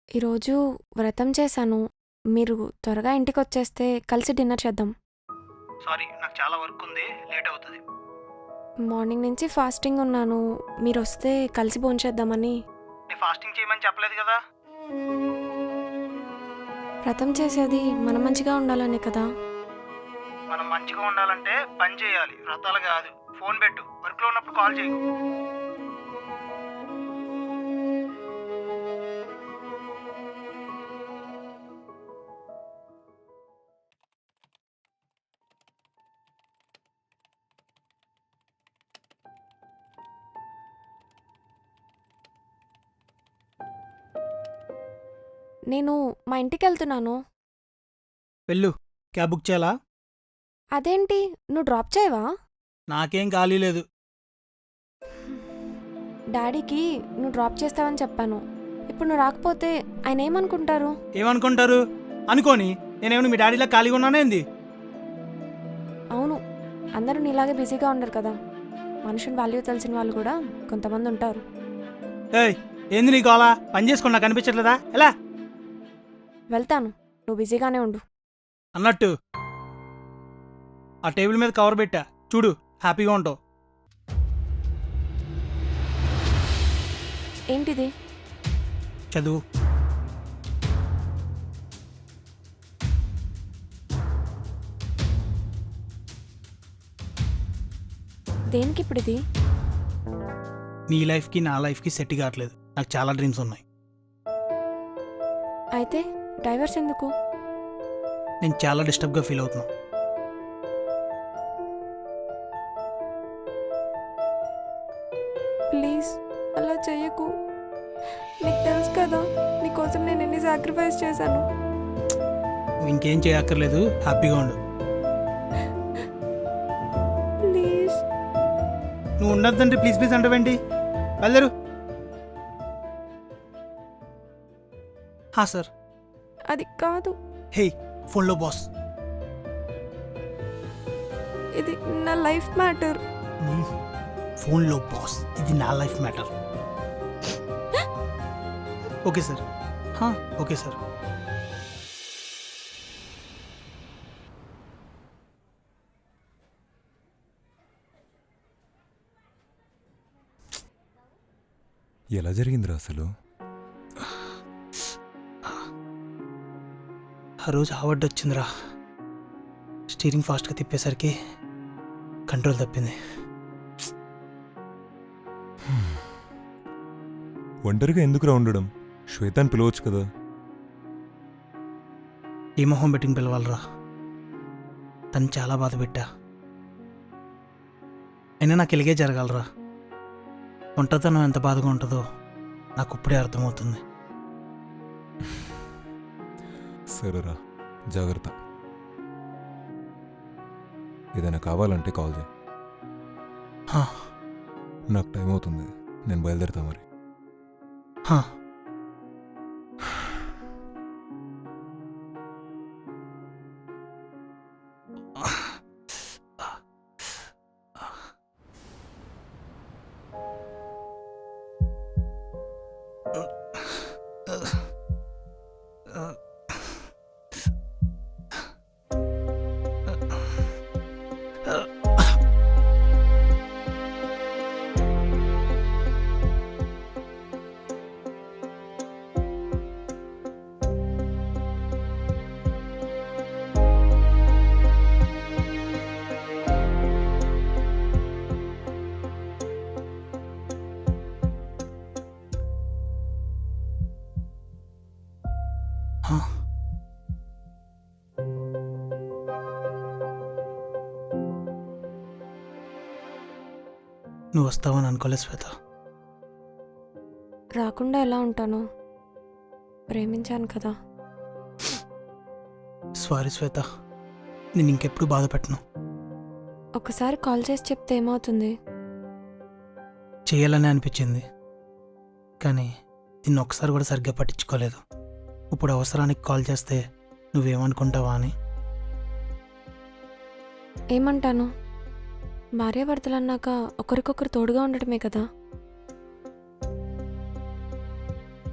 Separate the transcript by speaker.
Speaker 1: ఈరోజు వ్రతం చేశాను. మీరు త్వరగా ఇంటికొచ్చేస్తే కలిసి డిన్నర్ చేద్దాం.
Speaker 2: సారీ, నాకు చాలా వర్క్ ఉంది, లేట్ అవుతుంది.
Speaker 1: మార్నింగ్ నుంచి ఫాస్టింగ్ ఉన్నాను. మీరొస్తే కలిసి భోంచేద్దామని.
Speaker 2: నేను ఫాస్టింగ్ చేయమని చెప్పలేదు కదా.
Speaker 1: వ్రతం చేసేది మనం మంచిగా ఉండాలనే కదా.
Speaker 2: మనం మంచిగా ఉండాలంటే పని చేయాలి, వ్రతాలు కాదు. ఫోన్ పెట్టు, వర్క్లో ఉన్నప్పుడు కాల్ చేయకు.
Speaker 1: నేను మా ఇంటికెళ్తున్నాను.
Speaker 2: వెళ్ళు, క్యాబ్ బుక్ చేయాలా?
Speaker 1: అదేంటి, నువ్వు డ్రాప్ చేయవా?
Speaker 2: నాకేం ఖాళీ లేదు.
Speaker 1: డాడీకి నువ్వు డ్రాప్ చేస్తావని చెప్పాను. ఇప్పుడు నువ్వు రాకపోతే ఆయన ఏమనుకుంటారు?
Speaker 2: ఏమనుకుంటారు అనుకోని, నేనేమన్నా మీ డాడీలా ఖాళీగా ఉన్నానేంది?
Speaker 1: అవును, అందరూ నీలాగే బిజీగా ఉండరు కదా. మనుషుని వాల్యూ తెలిసిన వాళ్ళు కూడా కొంతమంది ఉంటారు.
Speaker 2: ఏయ్, ఏంది నీకు అలా పని చేసుకుని నాకు అనిపించట్లేదా? ఎలా
Speaker 1: వెళ్తాను, నువ్వు బిజీగానే ఉండు.
Speaker 2: అన్నట్టు ఆ టేబుల్ మీద కవర్ పెట్టా చూడు, హ్యాపీగా ఉంటావు.
Speaker 1: ఏంటిది?
Speaker 2: చదువు.
Speaker 1: దేనికి ఇప్పుడు ఇది?
Speaker 2: నీ లైఫ్కి నా లైఫ్కి సెట్ కావట్లేదు. నాకు చాలా డ్రీమ్స్ ఉన్నాయి.
Speaker 1: అయితే డైవర్స్ ఎందుకు?
Speaker 2: నేను చాలా డిస్టర్బ్గా ఫీల్ అవుతున్నా.
Speaker 1: ప్లీజ్ అలా చెయ్యకు. నీకు తెలుసు కదా నీకోసం నేను ఎన్ని సాక్రిఫైస్ చేశాను.
Speaker 2: నువ్వు ఇంకేం చేయక్కర్లేదు, హ్యాపీగా ఉండు.
Speaker 1: ప్లీజ్.
Speaker 2: నువ్వు ఉండద్దంటే ప్లీజ్ ప్లీజ్ అంటావేంటి? వెళ్ళరు. సార్.
Speaker 1: అది కాదు.
Speaker 2: హే, ఫోన్లో బాస్.
Speaker 1: ఇది నా లైఫ్ మ్యాటర్.
Speaker 2: ఫోన్లో బాస్, ఇది నా life matter. Okay sir. Okay sir.
Speaker 3: ఎలా జరిగిందిరా అసలు?
Speaker 2: ఆ రోజు అవార్డు వచ్చిందిరా. స్టీరింగ్ ఫాస్ట్గా తిప్పేసరికి కంట్రోల్ తప్పింది.
Speaker 3: ఒంటరిగా ఎందుకురా ఉండడం? శ్వేతాన్ని పిలవచ్చు కదా.
Speaker 2: ఈ మొహం బెట్టింగ్ పిలవాలరా. తను చాలా బాధ పెట్టా. అయినా నాకు ఇలాగే జరగాలరా. ఒంటరితనం ఎంత బాధగా ఉంటుందో నాకు ఇప్పుడే అర్థమవుతుంది.
Speaker 3: సరేరా, జాగ్రత్త. ఏదైనా కావాలంటే కాల్ చేయి. నాకు టైం అవుతుంది, నేను బయలుదేరుతా మరి. నువ్వు వస్తావని అనుకోలేదు శ్వేత.
Speaker 1: రాకుండా ఎలా ఉంటాను? ప్రేమించాను కదా.
Speaker 2: సారీ శ్వేత, నేను ఇంకెప్పుడు బాధ పెట్టను.
Speaker 1: ఒకసారి కాల్ చేసి చెప్తే ఏమవుతుంది?
Speaker 2: చేయాలని అనిపించింది, కానీ దీన్ని ఒకసారి కూడా సరిగ్గా పట్టించుకోలేదు. ఇప్పుడు అవసరానికి కాల్ చేస్తే నువ్వేమనుకుంటావా అని.
Speaker 1: ఏమంటాను? భార్యాభర్తలన్నాక ఒకరికొకరు తోడుగా ఉండటమే కదా.